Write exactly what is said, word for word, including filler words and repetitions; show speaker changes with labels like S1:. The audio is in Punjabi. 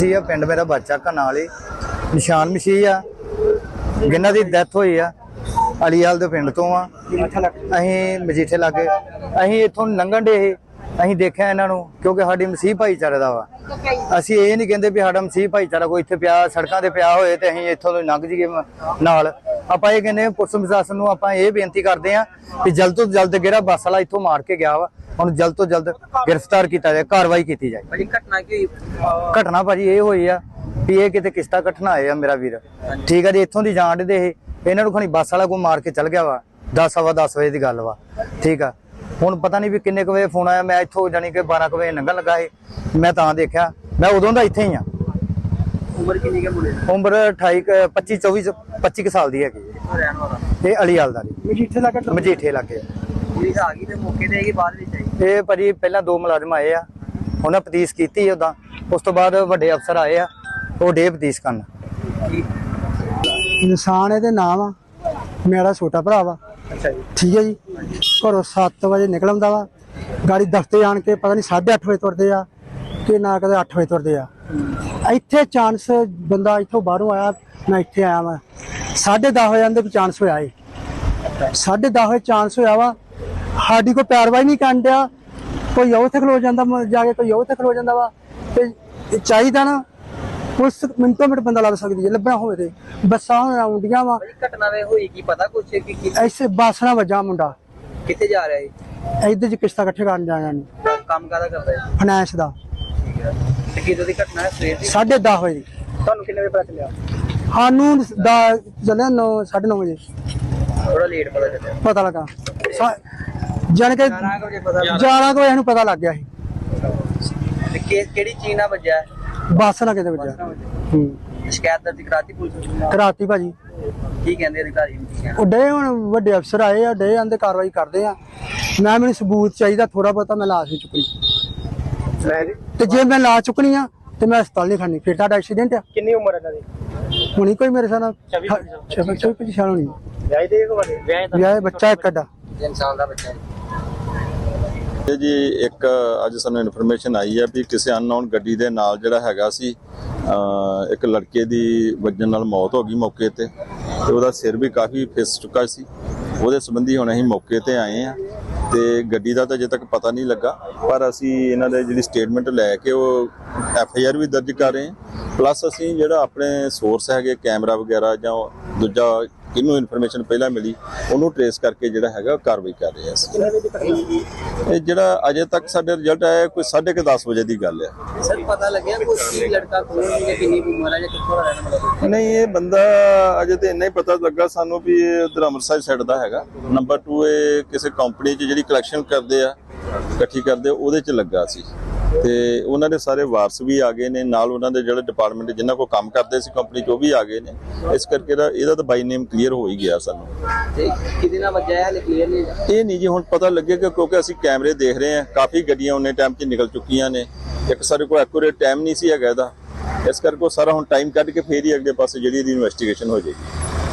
S1: ਆ ਪਿੰਡ ਮੇਰਾ ਬੱਚਾ ਨਾਲ ਹੀ ਨਿਸ਼ਾਨ ਮਸੀਹ ਆ ਜਿਨ੍ਹਾਂ ਦੀ ਡੈਥ ਹੋਈ ਆ ਅਲੀਵਾਲ ਦੇ ਪਿੰਡ ਤੋਂ ਆ। ਅਸੀਂ ਮਜੀਠੇ ਲਾਗੇ ਅਸੀਂ ਇੱਥੋਂ ਲੰਘਣ ਦੇ ਅਸੀਂ ਦੇਖਿਆ ਇਹਨਾਂ ਨੂੰ ਕਿਉਂਕਿ ਸਾਡੀ ਮਸੀਹ ਭਾਈਚਾਰੇ ਦਾ ਵਾ। ਅਸੀਂ ਇਹ ਨਹੀਂ ਕਹਿੰਦੇ ਵੀ ਸਾਡਾ ਮਸੀਹ ਭਾਈਚਾਰਾ ਕੋਈ ਇੱਥੇ ਪਿਆ ਸੜਕਾਂ ਤੇ ਪਿਆ ਹੋਏ ਤੇ ਅਸੀਂ ਇੱਥੋਂ ਲੰਘ ਜਾਈਏ ਨਾਲ। ਆਪਾਂ ਇਹ ਕਹਿੰਦੇ ਪੁਲਿਸ ਪ੍ਰਸ਼ਾਸਨ ਨੂੰ ਆਪਾਂ ਇਹ ਬੇਨਤੀ ਕਰਦੇ ਆ ਕਿ ਜਲਦ ਤੋਂ ਜਲਦ ਜਿਹੜਾ ਬੱਸ ਵਾਲਾ ਇੱਥੋਂ ਮਾਰ ਕੇ ਗਿਆ ਵਾ ਉਹਨੂੰ ਜਲਦ ਤੋਂ ਜਲਦ ਗ੍ਰਿਫਤਾਰ ਕੀਤਾ ਜਾਏ, ਕਾਰਵਾਈ ਕੀਤੀ ਜਾਏ।
S2: ਭਾਜੀ ਘਟਨਾ ਕੀ
S1: ਘਟਨਾ ਭਾਜੀ ਇਹ ਹੋਈ ਆ ਵੀ ਇਹ ਕਿਤੇ ਕਿਸ਼ਤਾ ਘਟਨਾ ਆਏ ਆ ਮੇਰਾ ਵੀਰ, ਠੀਕ ਆ ਜੀ। ਇੱਥੋਂ ਦੀ ਜਾਣ ਦੇ ਇਹ ਇਹਨਾਂ ਨੂੰ ਖਣੀ ਬੱਸ ਵਾਲਾ ਕੋਈ ਮਾਰ ਕੇ ਚਲ ਗਿਆ ਵਾ। ਦਸ ਸਵਾ ਦਸ ਵਜੇ ਦੀ ਗੱਲ ਵਾ, ਠੀਕ ਆ। ਹੁਣ ਪਤਾ ਨਹੀਂ ਵੀ ਕਿੰਨੇ ਕੁ ਵਜੇ ਫੋਨ ਆਇਆ। ਮੈਂ ਇੱਥੋਂ ਜਾਣੀ ਕਿ ਬਾਰਾਂ ਕੁ ਵਜੇ ਲੰਘਣ ਲੱਗਾ ਸੀ, ਮੈਂ ਤਾਂ ਦੇਖਿਆ। ਮੈਂ ਉਦੋਂ ਦਾ ਇੱਥੇ ਹੀ ਆ।
S2: ਉਮਰ ਕਿੰਨੀ ਹੈ ਮੁੰਡੇ ਦੀ?
S1: ਉਮਰ ਅਠਾਈ ਪੱਚੀ ਚੌਵੀ ਪੱਚੀ ਕੁ ਸਾਲ ਦੀ ਹੈਗੀ।
S2: ਰਹਿਣ ਵਾਲਾ
S1: ਇਹ ਅਲੀਵਾਲ ਦਾ ਜੀ,
S2: ਮਜੀਠੇ ਲੱਗੇ
S1: ਮਜੀਠੇ ਲਾਗੇ।
S2: ਪੁਲਿਸ ਆ ਗਈ ਤੇ ਮੌਕੇ ਤੇ ਆਈ ਬਾਅਦ ਵਿੱਚ ਆਈ?
S1: ਇਹ ਭਾਜੀ ਪਹਿਲਾਂ ਦੋ ਮੁਲਾਜ਼ਮ ਆਏ ਆ, ਉਹਨਾਂ ਪਤੀਸ ਕੀਤੀ ਉਦਾਂ। ਉਸ ਤੋਂ ਬਾਅਦ ਵੱਡੇ ਅਫਸਰ ਆਏ ਆ, ਉਹ ਡੇ ਪਤੀਸ ਕਰਨ।
S3: ਇਨਸਾਨ ਇਹਦੇ ਨਾਮ ਆ, ਮੇਰਾ ਛੋਟਾ ਭਰਾ ਵਾ।
S2: ਅੱਛਾ ਜੀ,
S3: ਠੀਕ ਹੈ ਜੀ। ਘਰੋਂ ਸੱਤ ਵਜੇ ਨਿਕਲ ਆਉਂਦਾ ਵਾ, ਗਾੜੀ ਦਫ਼ਤਰ ਆਣ ਕੇ ਪਤਾ ਨਹੀਂ ਸਾਢੇ ਅੱਠ ਵਜੇ ਤੁਰਦੇ ਆ ਕਿ ਨਾ ਕਦੇ ਅੱਠ ਵਜੇ ਤੁਰਦੇ ਆ। ਇੱਥੇ ਚਾਂਸ ਬੰਦਾ ਇੱਥੋਂ ਬਾਹਰੋਂ ਆਇਆ, ਮੈਂ ਇੱਥੇ ਆਇਆ ਵਾ ਸਾਢੇ ਦਸ ਵਜੇ ਆਂਦੇ ਵੀ ਚਾਂਸ ਹੋਇਆ ਏ। ਸਾਢੇ ਦਸ ਵਜੇ ਚਾਂਸ ਹੋਇਆ ਵਾ, ਸਾਡੀ ਕੋਈ ਪੈਰਵਾਈ ਨਹੀਂ ਕਰਨ ਡਿਆ। ਕੋਈ ਉੱਥੇ ਖਲੋ ਜਾਂਦਾ ਜਾ ਕੇ, ਕੋਈ ਉੱਥੇ ਖਲੋ ਜਾਂਦਾ ਵਾ। ਤੇ ਚਾਹੀਦਾ ਨਾ ਪੁਲਿਸ ਮਿੰਟੋ ਮਿੰਟ ਬੰਦਾ ਲੱਭ ਸਕਦੀ ਹੈ, ਲੱਭਣਾ ਹੋਵੇ ਤੇ। ਬੱਸਾਂ ਆਉਂਦੀਆਂ ਵਾ।
S2: ਘਟਨਾ ਵੇ ਹੋਈ ਕੀ ਪਤਾ ਕੁਛ ਕੀ ਕੀ
S3: ਐਸੇ ਬੱਸ ਨਾਲ ਵੱਜਾ ਮੁੰਡਾ।
S2: ਕਿੱਥੇ ਜਾ ਰਿਹਾ ਹੈ?
S3: ਇੱਧਰ ਚ ਕਿਸ਼ਤਾਂ ਇਕੱਠੇ ਕਰਨ ਜਾਣਾ ਨੂੰ,
S2: ਕੰਮ ਕਾਹਦਾ ਕਰਦਾ ਹੈ?
S3: ਫਾਈਨੈਂਸ ਦਾ।
S2: ਠੀਕ ਹੈ। ਤੇ ਕਿਦੋਂ ਦੀ ਘਟਨਾ ਹੈ? ਸਵੇਰ ਦੀ?
S3: ਸਾਢੇ ਦਸ ਵਜੇ।
S2: ਤੁਹਾਨੂੰ ਕਿੰਨੇ ਵਜੇ ਪਤਾ ਚੱਲਿਆ?
S3: ਸਾਨੂੰ ਦਾ ਚੱਲਿਆ ਨੌ ਸਾਢੇ ਨੌ ਵਜੇ
S2: ਥੋੜਾ ਲੇਟ ਪਤਾ ਚੱਲਿਆ।
S3: ਪਤਾ ਲੱਗਾ। ਜਾਣ ਕੇ
S2: ਗਿਆਰਾਂ ਕੁ ਵਜੇ ਪਤਾ
S3: ਗਿਆਰਾਂ ਕੁ ਵਜੇ ਸਾਨੂੰ ਪਤਾ ਲੱਗ ਗਿਆ ਸੀ।
S2: ਤੇ ਕਿ- ਕਿਹੜੀ ਚੀਜ਼ ਨਾਲ ਵੱਜਿਆ ਹੈ?
S3: ਬੱਸ ਨਾਲ ਕਿਤੇ ਵੱਜਿਆ। ਹੂੰ,
S2: ਸ਼ਿਕਾਇਤ ਦਰਜ ਕਰਾਤੀ ਪੁਲਿਸ ਨੂੰ?
S3: ਕਰਾਤੀ ਭਾਜੀ।
S2: ਕੀ ਕਹਿੰਦੇ ਅਧਿਕਾਰੀ ਨੂੰ? ਕੀ ਕਹਿੰਦੇ?
S3: ਉਹ ਡੇ ਹੁਣ ਵੱਡੇ ਅਫਸਰ ਆਏ ਆ, ਡੇ ਆਂਦੇ ਕਾਰਵਾਈ ਕਰਦੇ ਆ। ਮੈਂ ਮੈਨੂੰ ਸਬੂਤ ਚਾਹੀਦਾ ਥੋੜਾ ਬਹੁਤਾ, ਮੈਂ ਲਾਸ਼ ਨਹੀਂ ਚੁੱਕਣੀ। ਤੇ ਜੇ ਮੈਂ ਲਾਸ਼ ਚੁੱਕਣੀ ਆ ਤੇ ਮੈਂ ਹਸਪਤਾਲ ਨਹੀਂ ਖੜਨੀ। ਫਿਰ ਤੁਹਾਡਾ ਐਕਸੀਡੈਂਟ ਆ।
S2: ਕਿੰਨੀ ਉਮਰ ਹੈ ਇਹਨਾਂ ਦੀ?
S3: ਹੁਣੀ ਕੋਈ ਮੇਰੇ ਸਾਹ ਚੌਵੀ ਪੱਚੀ ਸਾਲ ਹੋਣੀ।
S2: ਵਿਆਹ ਦੇ ਕੋ ਵਾਲੇ ਵਿਆਹ ਦਾ
S3: ਵਿਆਹ ਬੱਚਾ ਇੱਕ ਅੱਡਾ।
S2: ਤਿੰਨ ਸਾਲ ਦਾ ਬੱਚਾ ਹੈ
S4: ਇਹ ਜੀ। ਇੱਕ ਅੱਜ ਸਾਨੂੰ ਇਨਫੋਰਮੇਸ਼ਨ ਆਈ ਹੈ ਵੀ ਕਿਸੇ ਅਨਨੋਨ ਗੱਡੀ ਦੇ ਨਾਲ ਜਿਹੜਾ ਹੈਗਾ ਸੀ ਇੱਕ ਲੜਕੇ ਦੀ ਵੱਜਣ ਨਾਲ ਮੌਤ ਹੋ ਗਈ ਮੌਕੇ ਤੇ, ਤੇ ਉਹਦਾ ਸਿਰ ਵੀ ਕਾਫੀ ਫਿਸ ਚੁੱਕਾ ਸੀ। ਉਹਦੇ ਸੰਬੰਧੀ ਹੁਣ ਅਸੀਂ ਮੌਕੇ ਤੇ ਆਏ ਆ ਤੇ ਗੱਡੀ ਦਾ ਤਾਂ ਅਜੇ ਤੱਕ ਪਤਾ ਨਹੀਂ ਲੱਗਾ, ਪਰ ਅਸੀਂ ਇਹਨਾਂ ਦੇ ਜਿਹੜੀ ਸਟੇਟਮੈਂਟ ਲੈ ਕੇ ਉਹ ਐਫ ਆਈ ਆਰ ਵੀ ਦਰਜ ਕਰ ਰਹੇ ਹਾਂ। ਪਲੱਸ ਅਸੀਂ ਜਿਹੜਾ ਆਪਣੇ ਸੋਰਸ ਹੈਗੇ ਕੈਮਰਾ ਵਗੈਰਾ ਜਾਂ ਦੂਜਾ ਕਿਹਨੂੰ ਇਨਫੋਰਮੇਸ਼ਨ ਪਹਿਲਾਂ ਮਿਲੀ ਉਹਨੂੰ ਟ੍ਰੇਸ ਕਰਕੇ ਜਿਹੜਾ ਹੈਗਾ ਕਾਰਵਾਈ ਕਰ ਰਹੇ ਹਾਂ ਅਸੀਂ। ਇਹ ਜਿਹੜਾ ਅਜੇ ਤੱਕ ਸਾਡੇ ਰਿਜ਼ਲਟ ਆਇਆ ਕੋਈ ਸਾਢੇ ਕੁ ਦਸ ਵਜੇ ਦੀ ਗੱਲ ਹੈ।
S2: ਸਰ ਪਤਾ ਲੱਗਿਆ ਕੋਈ ਕੀ ਲੜਕਾ ਕੋਲ ਹੈ, ਕਿੰਨੀ ਉਮਰ ਹੈ ਜਾਂ ਕਿੱਥੋਂ ਦਾ ਰਹਿਣ ਵਾਲਾ ਹੈ?
S4: ਨਹੀਂ, ਇਹ ਬੰਦਾ ਅਜੇ ਤੇ ਇੰਨਾ ਹੀ ਪਤਾ ਲੱਗਾ ਸਾਨੂੰ ਵੀ ਇਹ ਉਧਰ ਅੰਮ੍ਰਿਤਸਰ ਸਾਈਡ ਦਾ ਹੈਗਾ। ਨੰਬਰ ਟੂ ਇਹ ਕਿਸੇ ਕੰਪਨੀ 'ਚ ਜਿਹੜੀ ਕਲੈਕਸ਼ਨ ਕਰਦੇ ਆ ਇਕੱਠੀ ਕਰਦੇ ਉਹਦੇ 'ਚ ਲੱਗਾ ਸੀ ਤੇ ਉਹਨਾਂ ਦੇ ਸਾਰੇ ਵਾਰਸ ਵੀ ਆ ਗਏ ਨੇ ਨਾਲ, ਉਹਨਾਂ ਦੇ ਜਿਹੜੇ ਡਿਪਾਰਟਮੈਂਟ ਜਿਨ੍ਹਾਂ ਕੋਲ ਕੰਮ ਕਰਦੇ ਸੀ ਕੰਪਨੀ 'ਚ ਉਹ ਵੀ ਆ ਗਏ ਨੇ। ਇਸ ਕਰਕੇ ਇਹਦਾ ਤਾਂ ਬਾਈ ਨੇਮ ਕਲੀਅਰ ਹੋ ਹੀ ਗਿਆ ਸਾਨੂੰ।
S2: ਤੇ ਕਿਹਦੇ ਨਾਲ ਵੱਜਿਆ ਹੈ ਕਲੀਅਰ ਨਹੀਂ?
S4: ਇਹ ਨਹੀਂ ਜੀ ਹੁਣ ਪਤਾ ਲੱਗੇਗਾ ਕਿਉਂਕਿ ਅਸੀਂ ਕੈਮਰੇ ਦੇਖ ਰਹੇ ਹਾਂ, ਕਾਫੀ ਗੱਡੀਆਂ ਉਹਨੇ ਟਾਈਮ 'ਚ ਨਿਕਲ ਚੁੱਕੀਆਂ ਨੇ। ਇੱਕ ਸਾਡੇ ਕੋਲ ਐਕੂਰੇਟ ਟਾਈਮ ਨਹੀਂ ਸੀ ਹੈਗਾ ਇਹਦਾ, ਇਸ ਕਰਕੇ ਉਹ ਸਾਰਾ ਹੁਣ ਟਾਈਮ ਕੱਢ ਕੇ ਫੇਰ ਹੀ ਅਗਲੇ ਪਾਸੇ ਜਿਹੜੀ ਇਹਦੀ ਇਨਵੈਸਟੀਗੇਸ਼ਨ ਹੋ ਜਾਏਗੀ।